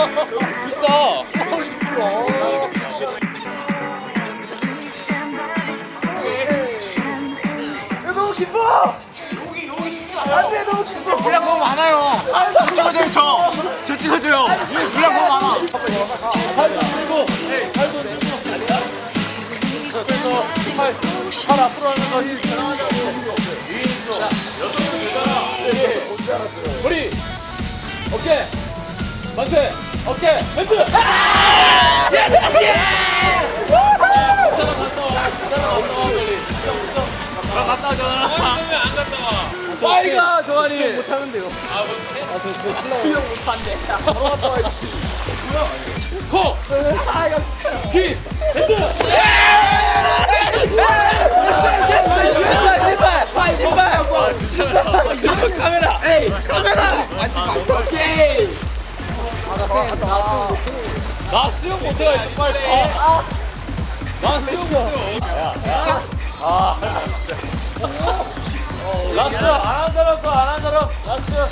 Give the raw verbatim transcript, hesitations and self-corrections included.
너무 기뻐! 안돼 너무 기뻐! 분량 너무 많아요. 저 찍어줘요 저. 저 찍어줘요. 분량 너무 많아. 팔도 들고, 팔도 들고. 그래서 팔, 팔 앞으로 하면서 힘 전환하자고. 위에서 여섯 명 되잖아. 머리, 어깨, 만세, 어깨, 멘트. 예스 예! 갔다 와, 갔다 와, 빨리. 나 갔다 와, 전화. 왜안 갔다 와? 빨리 가, 정환이. 수영 못하는데요. 아, 못해? 아, 저, 저 수영 못한대. 바로 갔다 와야지. 코! 키! 핸드! 신발! 신발! 신발! 신발! 카메라! 에이! 카메라! 오케이! 나 수영 못해가지고 빨리! 나 수영 못해! 아! 라스트! 안한 사람 거! 안한 사람! 라스트!